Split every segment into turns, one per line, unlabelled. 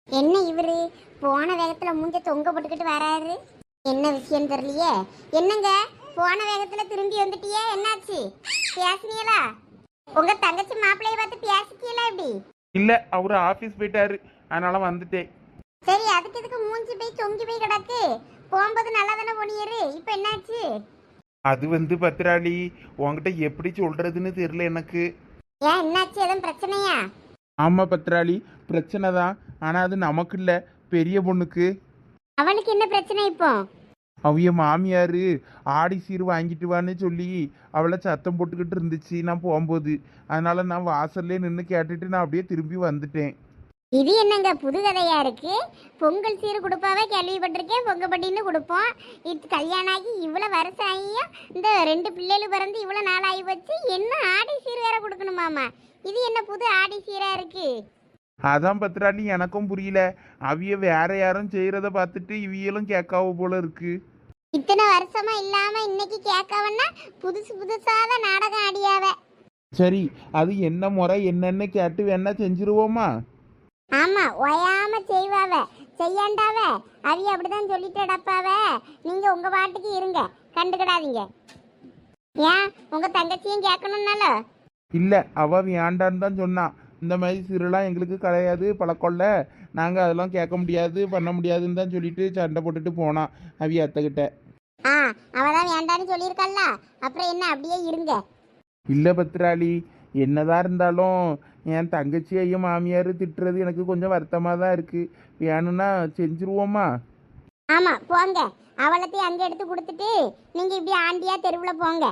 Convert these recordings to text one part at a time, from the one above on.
என்ன இவரு போன வேகத்துல மூஞ்ச தொங்க போட்டுக்கிட்டு வராரு? என்ன விஷயம் தெரியலையே. என்னங்க போன வேகத்துல திரும்பி வந்துட்டியே, என்னாச்சு? பேசுனீங்களா? உங்க தங்கச்சி மாப்பிள்ளைய பார்த்து பேசிக்கீங்களா எப்படி?
இல்ல, அவரு ஆபீஸ் போயிட்டாரு, அதனால வந்துட்டேன்.
சரி, அதுக்கு இதுக்கு மூஞ்சி போய் தொங்கி போய் கிடக்கு. போகும்போது நல்லா தானே போனியரு, இப்ப என்னாச்சு?
அது பத்திராளி, உன்கிட்ட எப்படி சொல்றதுன்னு தெரியல எனக்கு.
ஏன் என்னாச்சு, எதுவும் பிரச்சனையா?
ஆமா பத்திராளி, பிரச்சனை தான். ஆனா அது நமக்கு இல்ல, பெரிய பொண்ணுக்கு.
அவளுக்கு என்ன பிரச்சனை இப்போ?
அவைய மாமியாரு ஆடி சீர் வாங்கிட்டு வான்னு சொல்லி அவளை சத்தம் போட்டுக்கிட்டு இருந்துச்சு நான் போகும்போது. அதனால நான் வாசல்லே நின்று கேட்டுட்டு நான் அப்படியே திரும்பி வந்துட்டேன்.
இது என்னங்க புது கதையா இருக்கு? பொங்கல் சீர் கொடுப்பாவே கேள்விப்பட்டிருக்கேன், பொங்கப்பட்டின்னு கொடுப்போம். இது கல்யாணம் ஆகி இவ்வளவு வருஷம் ஆகியும் இந்த 2 பிள்ளைகள் பிறந்து இவ்வளவு நாள் ஆகி வச்சு என்ன ஆடி சீர் வேற கொடுக்கணுமாமா? இது என்ன புது ஆடி சீரா இருக்கு?
அதான் பத்திராளி, எனக்கும் புரியல. அவிய வேற யாரும் செய்யறத பார்த்துட்டு இவியலும் கேட்காவ போல இருக்கு.
இத்தனை வருஷமா இல்லாம இன்னைக்கு கேட்கவன்னா புதுசு புதுசாதான் நாடகம் ஆடியாவ.
சரி, அது என்ன முறை என்னன்னு கேட்டு வேணா செஞ்சிருவோமா?
ஆமா, ஒயாம செய்வாவ, செய்யாண்டாவ. அவிய அப்படிதான் சொல்லிட்டு அடப்பாவ. நீங்க உங்க பாட்டுக்கு இருங்க, கண்டுக்கிடாதீங்க. ஏன் உங்க தங்கச்சியும் கேட்கணும்னால?
இல்ல, அவ வேண்டான்னு தான் சொன்னான். இந்த மாதிரி சிறுலாம் எங்களுக்கு கிடையாது, பழக்கம்ல. நாங்கள் அதெல்லாம் கேட்க முடியாது, பண்ண முடியாதுன்னு தான் சொல்லிட்டு சண்டை போட்டுட்டு போனான் அவிய அத்தைக்கிட்ட.
ஆ, அவதான் வேண்டான்னு சொல்லியிருக்கல்ல, அப்புறம் என்ன, அப்படியே இருங்க.
இல்லை பத்திராளி, என்னதான் இருந்தாலும் என் தங்கச்சியையும் மாமியார் திட்டுறது எனக்கு கொஞ்சம் வருத்தமாக தான் இருக்குது. வேணும்னா செஞ்சுருவோமா?
ஆமா போங்க, அவளத்தையும் அங்க எடுத்து கொடுத்துட்டு நீங்க இப்படி ஆண்டியா தெருவுல போங்க.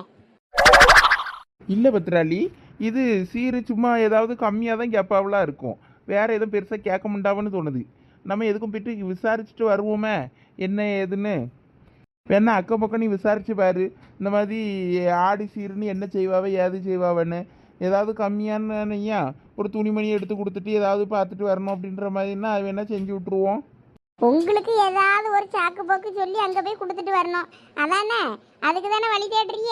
இல்லை பத்திராளி, இது சீரு சும்மா ஏதாவது கம்மியாக தான் கேட்பாவெலாம் இருக்கும். வேற எதுவும் பெருசாக கேட்க முடியாதுன்னு தோணுது. நம்ம எதுக்கும் போயிட்டு விசாரிச்சுட்டு வருவோமே என்ன ஏதுன்னு. வேணா அக்கம் பக்கம் நீ விசாரிச்சு பாரு, இந்த மாதிரி ஆடி சீருன்னு என்ன செய்வாவ ஏது செய்வாவன்னு. ஏதாவது கம்மியானயா ஒரு துணிமணி எடுத்து கொடுத்துட்டு ஏதாவது பார்த்துட்டு வரணும் அப்படின்ற மாதிரின்னா அது வேணா செஞ்சு விட்ருவோம்.
உங்களுக்கு ஏதாவது ஒரு சாக்கு போக்கு சொல்லி அங்க போய் கொடுத்துட்டு வரணும், அதானே? அதுக்கு தானே வழி தேடுறீங்க.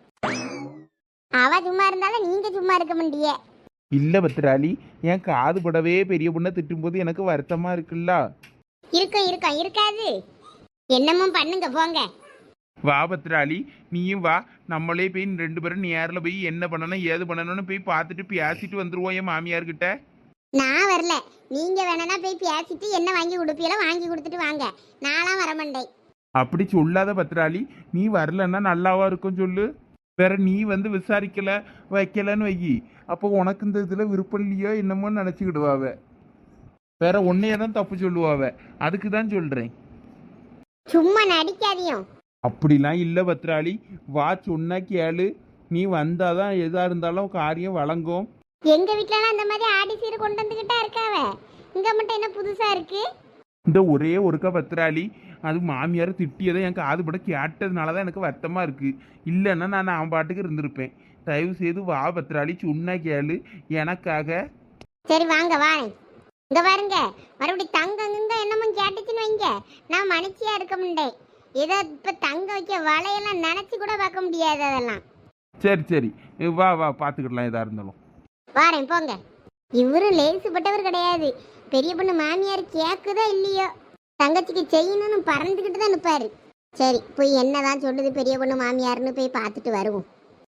அவ சும்மா இருந்தாலும் நீங்க சும்மா இருக்க முடியே.
இல்லை பத்திராளி, என் காது படவே பெரிய பொண்ணை திட்டும்போது எனக்கு வருத்தமாக இருக்குல்ல.
இருக்கும் இருக்கும், இருக்காது. என்னமும் பண்ணுங்க போங்க.
வா பத்திராளி, நீயும் வா. நம்மளே போய் 2 பேரும் நேரில் போய் என்ன பண்ணணும் ஏது பண்ணணும்னு போய் பார்த்துட்டு பேசிட்டு வந்துருவோம் என் மாமியார்கிட்ட.
நான் வரல, நீங்க வேணா போய் பேசிட்டு என்ன வாங்கி கொடுப்பீங்களோ வாங்கி கொடுத்துட்டு வாங்க. நான்லாம் வரமாட்டேன்.
அப்படி சொல்லாத பத்திராளி, நீ வரலன்னா நல்லாவா இருக்கும் சொல்லு. வேற நீ விசாரிக்கல வைக்கலன்னு வைக்கி, அப்போ உனக்கு இந்த இதில் விருப்பம் இல்லையோ என்னமோ நினச்சிக்கிடுவாவ. வேற ஒன்னையே தான் தப்பு சொல்லுவாவ. அதுக்கு தான் சொல்கிறேன்.
சும்மா நடிக்காதியும்.
அப்படிலாம் இல்லை பத்ராளி, வா சொன்னா கேளு. நீ வந்தாதான் எதா இருந்தாலும் காரியம் வழங்கும்.
எங்க வீட்லலாம் அந்த மாதிரி ஆடி சீர் கொண்டு வந்துகிட்டா இருக்காவ. இங்க மட்டும் என்ன புதுசா இருக்கு?
இந்த ஒரே ஒருக்கா பத்ராளி, அது மாமியார் திட்டியதை என் காது பட கேட்டதுனால தான் எனக்கு வருத்தமாக இருக்குது. இல்லைன்னா நான் பாட்டுக்கு இருந்திருப்பேன். தயவு செய்து வா பத்ராளி, சொன்னா கேளு எனக்காக.
சரி வாங்க வாங்க. இங்க பாருங்க, மறுபடியும் தங்கங்க என்னமும் கேட்டுச்சுன்னு வைங்க, நான் மனுச்சியா இருக்க முடியேன். ஏதோ இப்ப தங்க வைக்க வலையெல்லாம் நினைச்சு கூட பார்க்க முடியாது அதெல்லாம்.
சரி சரி, வா வா பார்த்துக்கிடலாம் எதா இருந்தாலும்.
வாரேன் போங்க. இவரு லேசுப்பட்டவர் கிடையாது. பெரிய பொண்ணு மாமியார் கேக்குதா இல்லையோ, தங்கச்சிக்கு செய்யணும்னு பறந்துக்கிட்டு தான் நிற்பாரு. சரி, போய் என்னதான் சொல்லுது பெரிய பொண்ணு மாமியார்னு போய் பார்த்துட்டு வருவோம்.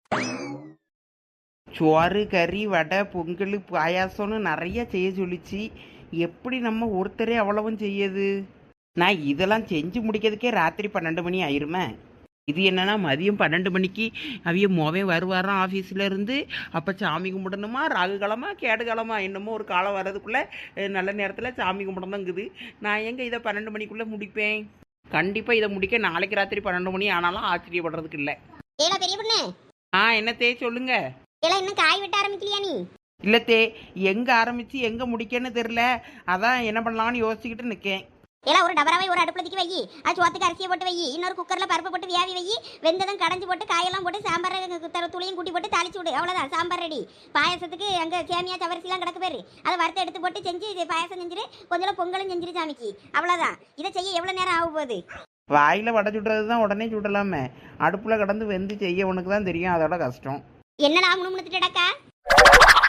சோறு கறி வடை பொங்கல் பாயாசம்னு நிறைய செய்ய சொல்லிச்சு. எப்படி நம்ம ஒருத்தரே அவ்வளவும் செய்யுது? நான் இதெல்லாம் செஞ்சு முடிக்கிறதுக்கே ராத்திரி 12 மணி ஆயிருமே. இது என்னன்னா மதியம் 12 மணிக்கு அவிய மோவன் வருவாராம் ஆஃபீஸில் இருந்து. அப்போ சாமி கும்பிடணுமா, ராகு காலமா கேடு காலமா என்னமோ ஒரு காலம் வர்றதுக்குள்ளே நல்ல நேரத்தில் சாமி கும்பிடணுங்குது. நான் எங்கே இதை 12 மணிக்குள்ளே முடிப்பேன்? கண்டிப்பாக இதை முடிக்க நாளைக்கு ராத்திரி 12 மணி ஆனாலும் ஆச்சரியப்படுறதுக்கு இல்லை.
ஏடா பெரிய பொண்ணு.
என்னத்தே சொல்லுங்க.
ஏடா இன்னும் காய் வெட்ட ஆரம்பிக்கலையா நீ?
இல்லத்தே, எங்கே ஆரம்பித்து எங்கே முடிக்கன்னு தெரில. அதான் என்ன பண்ணலாம்னு யோசிச்சுக்கிட்டு நிற்கேன்.
ஏலா ஒரு டபராவை ஒரு அடுப்புல தூக்கி வை, அது சோத்துக்கு அரிசியை போட்டு வை, இன்னொரு குக்கர்ல பருப்பு போட்டு வியாவி வை, வெந்ததும் கடைஞ்சி போட்டு காயெல்லாம் போட்டு சாம்பார் துளியும் கூட்டி போட்டு தாளிச்சு விடு, அவ்வளோதான் சாம்பார் ரெடி. பாயசத்துக்கு அங்கே சேமியா சவரிசிலாம் கிடக்கு பேரு, அதை வறுத்து எடுத்து போட்டு செஞ்சு பாயசம் செஞ்சிரு, கொஞ்சம் பொங்கலும் செஞ்சிரு சாமிக்கு, அவ்வளோதான். இதை செய்ய எவ்வளோ நேரம் ஆகும் போகுது?
வாயில் வடை சுடுறது தான் உடனே சுடலாமே, அடுப்பில் கடந்து வெந்து செய்ய உனக்கு தான் தெரியும் அதோட கஷ்டம்.
என்னடா முணுமுணுத்துட்டடக்கா?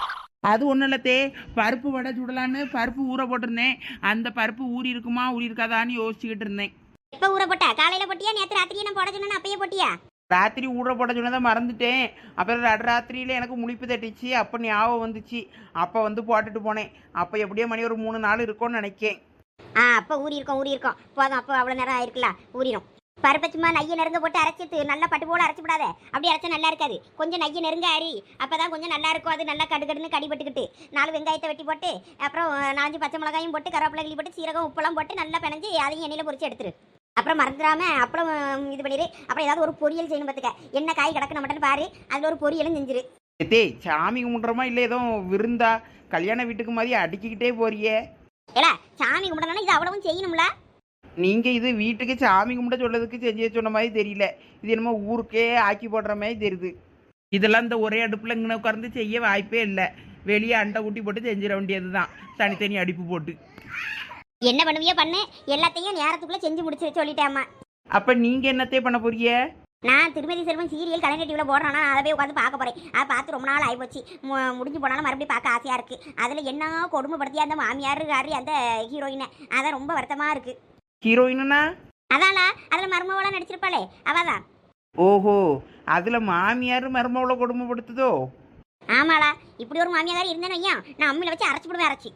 அது ஒன்றும் இல்லத்தே, பருப்பு வடை சுடலான்னு பருப்பு ஊற போட்டிருந்தேன். அந்த பருப்பு ஊறி இருக்குமா ஊறி இருக்காதான்னு யோசிச்சுக்கிட்டு இருந்தேன்.
எப்போ ஊற போட்டா? காலையில போட்டியா? நேற்று ராத்திரியே நான் போட சொன்னேன்னு அப்பயே போட்டியா?
ராத்திரி ஊற போட சொன்னதை மறந்துட்டேன். அப்புறம் ராத்திரியில் எனக்கு முழிப்பு தட்டிச்சு. அப்போ ஞாபகம் வந்துச்சு. அப்போ வந்து போட்டுட்டு போனேன். அப்போ எப்படியோ மணி ஒரு 3 நாள் இருக்கும்னு நினைக்கேன்.
அப்போ ஊறி இருக்கும் போதும். அப்போ அவ்வளோ நேரம் ஆயிருக்குல்ல, ஊறிடும். பருப்பை சும்மா நையை நெருங்க போட்டு அரைச்சிட்டு நல்லா பட்டு போல அரைச்சி விடாத. அப்படி அரைச்சா நல்லா இருக்காது. கொஞ்சம் நையை நெருங்க அரி, அப்பதான் கொஞ்சம் நல்லா இருக்கும். அது நல்லா கடுகடுன்னு கடிபட்டுக்கிட்டு 4 வெங்காயத்தை வெட்டி போட்டு அப்புறம் 4 பச்சை மிளகாயும் போட்டு கருவேப்பிலை கிள்ளி போட்டு சீரகம் உப்பெல்லாம் போட்டு நல்லா பிணைஞ்சு அதையும் எண்ணெயில் பொரிச்சு எடுத்துரு. அப்புறம் மறந்துடாம அப்புறம் இது பண்ணிடு. அப்புறம் ஏதாவது ஒரு பொரியல் செய்யணும் பார்த்துக்க. என்ன காய் கிடக்கு நம்மகிட்ட பாரு, அதில் ஒரு பொரியலும் செஞ்சிரு.
ஏத்தே, சாமி கும்பிட்றோமா இல்லை ஏதோ விருந்தா கல்யாண வீட்டுக்கு மாதிரி அடிக்கிக்கிட்டே போறியே?
ஏலா, சாமி கும்பிடணும்னா இது அவ்வளவும் செய்யணும்ல.
நீங்கள் இது வீட்டுக்கு சாமி கும்பிட சொல்றதுக்கு செஞ்சு சொன்ன மாதிரி தெரியல. இது என்னமோ ஊருக்கே ஆக்கி போடுற மாதிரி தெரியுது. இதெல்லாம் இந்த ஒரே அடுப்பில் இங்கே உட்கார்ந்து செய்ய வாய்ப்பே இல்லை. வெளியே அண்டை ஊட்டி போட்டு செஞ்சிட வேண்டியது தான், தனித்தனி அடுப்பு போட்டு.
என்ன பண்ணுவியோ பண்ணு, எல்லாத்தையும் நேரத்துக்குள்ளே செஞ்சு முடிச்சு சொல்லிட்டேம்மா.
அப்போ நீங்கள் என்னத்தே பண்ண போறிய?
நான் திருமதி செல்வன் சீரியல் கலைஞர் டிவியில் போடுறேன்னா அதை போய் உட்காந்து பார்க்க போகிறேன். அதை பார்த்து ரொம்ப நாள் ஆகிப்போச்சு. முடிஞ்சு போனாலும் மறுபடியும் பார்க்க ஆசையாக இருக்குது. அதில் என்ன கொடுமைப்படுத்தியா அந்த மாமியார் அந்த ஹீரோயினை, அதான் ரொம்ப வருத்தமாக இருக்குது.
ஹீரோயினா?
அதான்லா, அதில் மருமவளாக நடிச்சிருப்பாளே அவதான்.
ஓஹோ, அதில் மாமியார் மருமவளை கொடுமைப்படுத்துதோ?
ஆமாளா, இப்படி ஒரு மாமியார் இருந்தேன்னு வையா, நான் அம்மியில் வச்சு அரைச்சி போடுவேன். அரைச்சி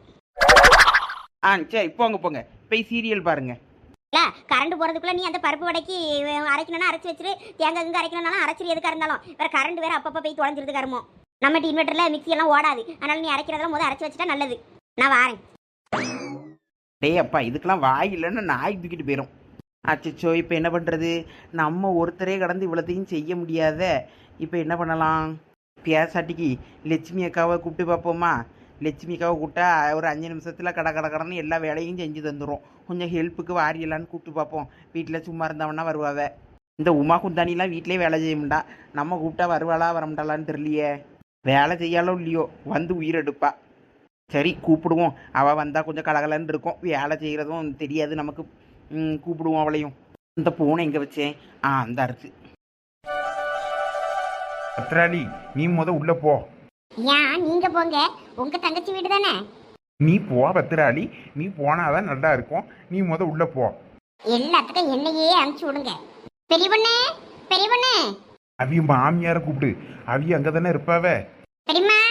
சரி போங்க போய் சீரியல் பாருங்க.
இல்லை, கரண்ட் போகிறதுக்குள்ளே நீ அந்த பருப்பு வடைக்கு அரைக்கணும்னா அரைச்சி வச்சிரு. தேங்காய் இங்கே அரைக்கணும்னாலும் அரைச்சிரு. எதுக்காக இருந்தாலும் வேறு கரண்ட் வேறு அப்பப்போ போய் தொலைஞ்சிருது கருமோ. நம்ம இன்வெர்ட்டரில் மிக்சி எல்லாம் ஓடாது. அதனால் நீ அரைக்கிறதெல்லாம் முதல் அரைச்சி வச்சுட்டா நல்லது. நான் வாரேன்.
டேய் அப்பா, இதுக்கெல்லாம் வாய் இல்லைன்னு நாய் தூக்கிட்டு போயிடும். அச்சோ, இப்போ என்ன பண்ணுறது? நம்ம ஒருத்தரே கடந்து இவ்வளோத்தையும் செய்ய முடியாத. இப்போ என்ன பண்ணலாம்? பேசாட்டிக்கு லட்சுமி அக்காவை கூப்பிட்டு பார்ப்போமா? லட்சுமி அக்காவை கூப்பிட்டா ஒரு 5 நிமிஷத்தில் கடன்னு எல்லா வேலையும் செஞ்சு தந்துடும். கொஞ்சம் ஹெல்ப்புக்கு வாரியலான்னு கூப்பிட்டு பார்ப்போம். வீட்டில் சும்மா இருந்தவனா வருவாவ. இந்த உமா குந்தானிலாம் வீட்டிலே வேலை செய்ய முடியா. நம்ம கூப்பிட்டா வருவாளா வரமாட்டாளான்னு தெரியலையே. வேலை செய்யாலோ இல்லையோ வந்து உயிரெடுப்பா. சரி கூப்பிடுவோம். அவள் வந்தால் கொஞ்சம் கலகலன்னு இருக்கும். வேலை செய்கிறதும் தெரியாது நமக்கு. கூப்பிடுவோம் அவளையும். இந்த பூனை எங்கே வச்சேன்? அந்த அரிசி.
பத்ராளி, நீ உள்ள போ.
ஏன் நீங்க போங்க, உங்க தங்கச்சி வீடு தானே.
நீ போ பத்ராளி, நீ போனாதான் நல்லா இருக்கும். நீ உள்ள போ.
எல்லாத்துக்கும் என்னையே அனுப்பிச்சு விடுங்க. பெரிய பொண்ணு
அவிய மாமியார கூப்பிடு. அவிய அங்கதானே இருப்பாவ.
பெரியம்மா,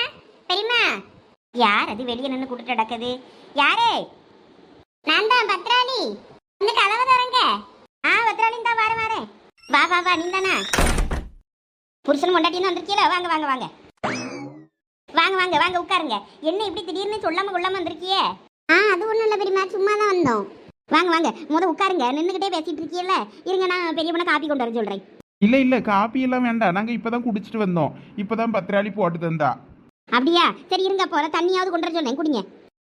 யார் அது வெளியே நின்று கூப்பிட்டு நடக்குது? யாரு? நான் தான் பத்ராளி. இந்த கதவை தரங்க. பத்ராளி தான் வரேன். வா நீ தானே புருஷன் கொண்டாட்டின்னு வந்திருக்கீல? வாங்க உட்காருங்க. என்ன இப்படி திடீர்னு சொல்லாம கொள்ளாம வந்திருக்கியே? அது ஒண்ணும் இல்ல பெரியம்மா, சும்மா தான் வந்தோம். வாங்க உட்காருங்க. நின்றுகிட்டே பேசிட்டு இருக்கீல்ல, இருங்க நான் பெரிய பொண்ணை காப்பி கொண்டு வர சொல்றேன்.
இல்ல காப்பி எல்லாம் வேண்டாம். நாங்க இப்பதான் குடிச்சிட்டு வந்தோம். இப்பதான் பத்ராளி போட்டு தந்தா.
அப்படியா? சரி இருங்க, போற தண்ணியாவது கொண்டு வர சொல்றேன், குடிங்க.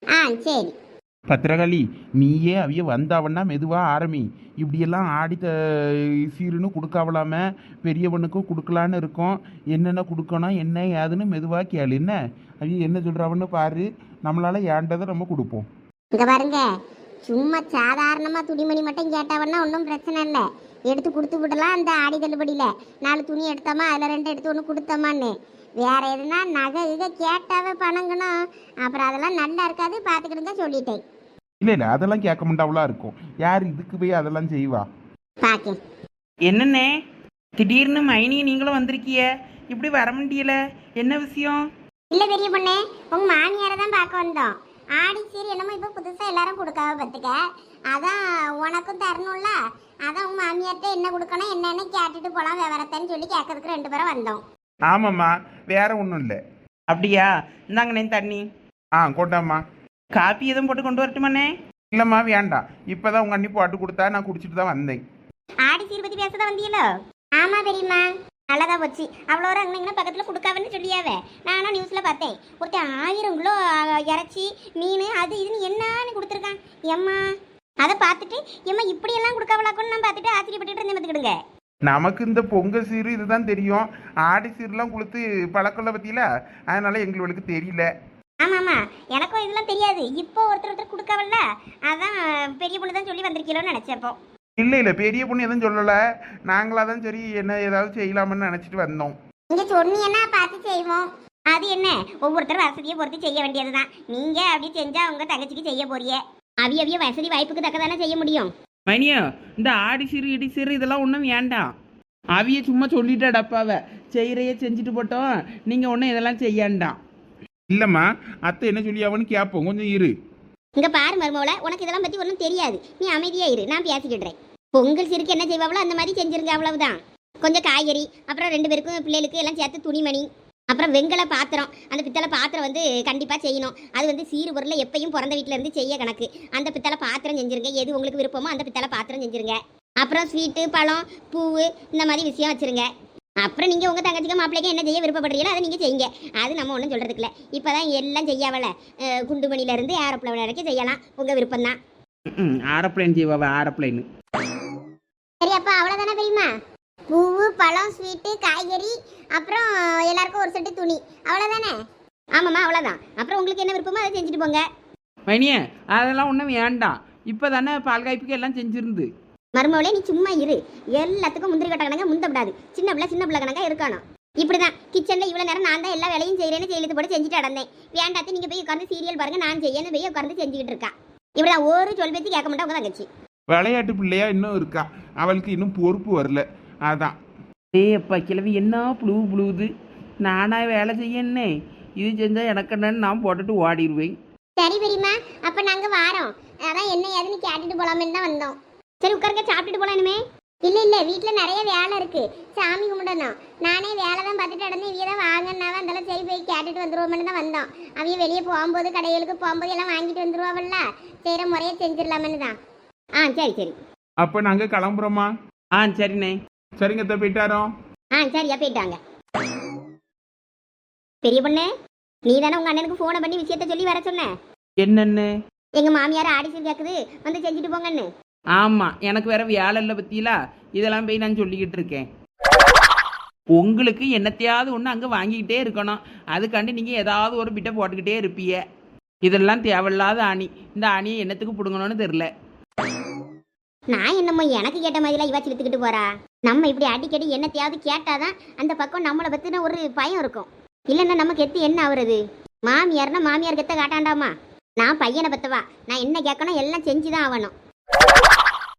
சரி.
பத்திரகாளி, நீயே அவிய வந்தாவன்னா மெதுவா ஆரம்பி. இப்படியெல்லாம் ஆடி சீருன்னு கொடுக்காவலாம பெரியவனுக்கும் கொடுக்கலான்னு இருக்கோம். என்னென்ன கொடுக்கணும் என்ன ஏதுன்னு மெதுவா கேளு. என்ன அவிய என்ன சொல்றாவன்னு பாரு. நம்மளால ஏண்டதை நம்ம கொடுப்போம்.
இங்க பாருங்க, சும்மா சாதாரணமா துணிமணி மட்டும் கேட்டாவன்னா ஒன்றும் பிரச்சனை இல்லை, எடுத்து கொடுத்து விடலாம். அந்த ஆடி தள்ளுபடியில 4 துணி எடுத்தோமா, அதில் 2 எடுத்து 1 கொடுத்தோமான்னு. வேற எதுனா நகை இதை கேட்டாவே பணங்கணும். அப்புறம் அதெல்லாம் நல்லா இருக்காது, பார்த்துக்கிடுங்க சொல்லிட்டேன்.
இல்ல அதெல்லாம் கேட்க மாட்டாவளா இருக்கும். யார் இதுக்கு போய் அதெல்லாம் செய்வா?
பாக்கேன்.
என்னண்ணே திடீர்னு மைனி நீங்களும் வந்திருக்கிய? இப்படி வர முடியல, என்ன விஷயம்?
இல்ல பெரிய பொண்ணு, உங்க மாமியாரை தான் பார்க்க வந்தோம். ஆடி சீரி என்னமோ இப்போ புதுசா எல்லாரும் கொடுக்காம பார்த்துக்க, அதான் உனக்கும் தரணும்ல. அதான் உங்க மாமியார்கிட்ட என்ன கொடுக்கணும் என்னன்னு கேட்டுட்டு போலாம் விவரத்தன்னு சொல்லி கேட்கறதுக்கு 2 பேரும் வந்தோம்.
ஆமாம்மா, வேற ஒன்றும் இல்லை.
அப்படியா? இந்தாங்கண்ணே தண்ணி.
கொண்டாம்மா.
காப்பி எதுவும் போட்டு கொண்டு வரட்டுமாண்ணே?
இல்லைம்மா வேண்டாம். இப்போதான் உங்கள் அண்ணி போட்டு கொடுத்தா நான் குடிச்சிட்டு தான் வந்தேன்.
ஆடி சீர் பத்தி பேசதான் வந்தீங்களோ? ஆமா பெரியம்மா, நல்லதா போச்சு. அவ்வளோ அங்கே பக்கத்தில் கொடுக்காவன்னு சொல்லியாவே. நானும் நியூஸில் பார்த்தேன். ஒருத்தர் 1000 கிலோ இறைச்சி மீன் அது இதுன்னு என்னன்னு கொடுத்துருக்கான். எம்மா அதை பார்த்துட்டு எம்மா இப்படியெல்லாம் கொடுக்காவலாக்குன்னு நான் பார்த்துட்டு ஆச்சரியப்பட்டுட்டு இருந்தேன். பார்த்துக்கிடுங்க.
நமக்கு இந்த பொங்கல் சீரு இதுதான் தெரியும். ஆடி சீர்லாம் கொடுத்து பழக்கம்ல பத்தியில, அதனால எங்களுக்கு தெரியல.
ஆமாம்மா, எனக்கும் இதெல்லாம் தெரியாது. இப்போ ஒருத்தர் கொடுக்காவல்ல, அதான் பெரிய பொண்ணு தான் சொல்லி வந்திருக்கீங்களோன்னு நினைச்சப்போ.
இல்லை பெரிய பொண்ணு எதுவும் சொல்லலை. நாங்களாதான் சரி என்ன ஏதாவது செய்யலாம்னு நினைச்சிட்டு வந்தோம்.
நீங்க சொன்னீங்கன்னா பார்த்து செய்வோம். அது என்ன, ஒவ்வொருத்தரும் வசதியை பொறுத்து செய்ய வேண்டியதுதான். நீங்க அப்படி செஞ்சா உங்க தங்கச்சிக்கு செய்ய போறிய. அவிய வசதி வாய்ப்புக்கு தக்கதானே செய்ய முடியும்.
மைனியோ இந்த ஆடி சிறு இடி சிறு இதெல்லாம் ஒன்றும் வேண்டாம். அவிய சும்மா சொல்லிட்டா டப்பாவை செய்கிறையே செஞ்சுட்டு போட்டோம், நீங்கள் ஒன்றும் இதெல்லாம் செய்யாண்டாம்.
இல்லைம்மா, அத்தை என்ன சொல்லி அவனு கேட்போம், கொஞ்சம் இரு.
இங்க பாரு மருமவள, உனக்கு இதெல்லாம் பத்தி ஒன்றும் தெரியாது. நீ அமைதியா இரு, நான் பேசிக்கிடுறேன். பொங்கல் சிறுக்கு என்ன செய்வாங்களோ அந்த மாதிரி செஞ்சிருங்க, அவ்வளவுதான். கொஞ்சம் காய்கறி, அப்புறம் 2 பேருக்கும் பிள்ளைகளுக்கு எல்லாம் சேர்த்து துணிமணி, அப்புறம் வெங்கல பாத்திரம். அந்த பித்தளை பாத்திரம் வந்து கண்டிப்பாக செய்யணும். அது வந்து சீறு பொருளை எப்பயும் பிறந்த வீட்டில இருந்து செய்ய கணக்கு. அந்த பித்தளை பாத்திரம் செஞ்சிருங்க. எது உங்களுக்கு விருப்பமோ அந்த பித்தளை பாத்திரம் செஞ்சிருங்க. அப்புறம் ஸ்வீட்டு, பழம், பூவு இந்த மாதிரி விஷயம் வச்சிருங்க. அப்புறம் நீங்கள் உங்கள் தங்கச்சிக்கு மாப்பிள்ளைக்கு என்ன செய்ய விருப்பப்படுறீங்களோ அதை நீங்கள் செய்யுங்க. அது நம்ம ஒன்றும் சொல்கிறதுக்கு இல்லை. இப்போ தான் எல்லாம் செய்யாவல, குண்டுமணிலேருந்து ஏரோப்ளேன் வரைக்கும் செய்யலாம். உங்கள் விருப்பம் தான்.
ஏரோப்ளேன் செய்வாவ, ஏரோப்ளேனு.
சரி, அப்போ அவ்வளோதானே பெரியம்மா? பூவு, பழம், ஸ்வீட்டு, காய்கறி, அப்புறம் எல்லாருக்கும் ஒரு செட்டு துணி, அவ்வளோதானே? ஆமாம்மா, அவ்வளோதான். அப்புறம் உங்களுக்கு என்ன விருப்பமோ அதை செஞ்சுட்டு போங்க.
மைனியே அதெல்லாம் ஒன்றும் வேண்டாம். இப்போ தானே பால் காய்ப்புக்கு எல்லாம் செஞ்சிருந்து.
மருமவளே, நீ சும்மா இரு. எல்லாத்துக்கும் முந்திரி கட்ட கணக்கா முந்தப்படாது. சின்ன பிள்ளை கணக்கா இருக்கணும். இப்படிதான் கிச்சன்ல இவ்வளவு நேரம் நான் தான் எல்லா வேலையும் செய்யறேன்னு செயலுக்கு போட்டு செஞ்சுட்டு அடந்தேன். வேண்டாத்து நீங்க போய் உட்காந்து சீரியல் பாருங்க, நான் செய்யணும் போய் உட்காந்து செஞ்சுக்கிட்டு இருக்கா. இப்படிதான் ஒரு சொல் பேச்சு கேட்க மாட்டா உங்க தங்கச்சி.
விளையாட்டு பிள்ளையா இன்னும் இருக்கா, அவளுக்கு இன்னும் பொறுப்பு வரல, அதான்.
அப்பா கிழவி என்ன புழுவுது. நானா வேலை செய்யணே, இது செஞ்சா எனக்கு என்னன்னு நான் போட்டுட்டு ஓடிடுவேன்.
சரி பெரியம்மா, அப்ப நாங்க வாரோம். அதான் என்ன ஏதுன்னு கேட்டுட்டு போலாமேன்னு தான் வந்தோம். சரி உட்காருங்க, சாப்பிட்டுட்டு போலானுமே. இல்ல வீட்டுல நிறைய வேலை இருக்கு, சாமி கும்பிடணும். நானே வேலை தான் பார்த்துட்டு நடந்தேன். இவைய தான் வாங்கினாவ, அதெல்லாம் சரி போய் கேட்டுட்டு வந்துருவோம்னு தான் வந்தோம். அவைய வெளியே போகும்போது கடைகளுக்கு போகும்போது எல்லாம் வாங்கிட்டு வந்துருவாவல்ல, செய்கிற முறையை செஞ்சிடலாமன்னு தான். சரி.
அப்ப நாங்க கிளம்புறோமா?
சரிண்ணே.
சரிங்க அத்தை, போயிட்டாரோ?
சரியா போயிட்டாங்க. பெரிய பொண்ணு, நீ தானே உங்க அண்ணனுக்கு போனை பண்ணி விஷயத்த சொல்லி வர சொன்ன?
என்னன்னு?
எங்க மாமியார் ஆடிஷன் கேக்குது, வந்து செஞ்சுட்டு போங்கன்னு.
ஆமாம், எனக்கு வேற வேலை இல்லை பத்தியிலா, இதெல்லாம் போய் நான் சொல்லிக்கிட்டு இருக்கேன். உங்களுக்கு என்னத்தையாவது ஒன்று அங்கே வாங்கிக்கிட்டே இருக்கணும். அதுக்காண்டி நீங்கள் ஏதாவது ஒரு பிட்டை போட்டுக்கிட்டே இருப்பீங்க. இதெல்லாம் தேவையில்லாத அணி. இந்த அணியை என்னத்துக்கு பிடுங்கணும்னு தெரில.
நான் என்னமோ எனக்கு கேட்ட மாதிரிலாம் இவா சிலுத்துக்கிட்டு போறா. நம்ம இப்படி அடிக்கடி என்னத்தையாவது கேட்டாதான் அந்த பக்கம் நம்மளை பற்றின ஒரு பயம் இருக்கும். இல்லைன்னா நமக்கு எத்து என்ன ஆகுறது? மாமியார்னா மாமியார் கெத்த காட்டாண்டாமா. நான் பையனை பத்தவா, நான் என்ன கேட்கணும் எல்லாம் செஞ்சுதான் ஆகணும்.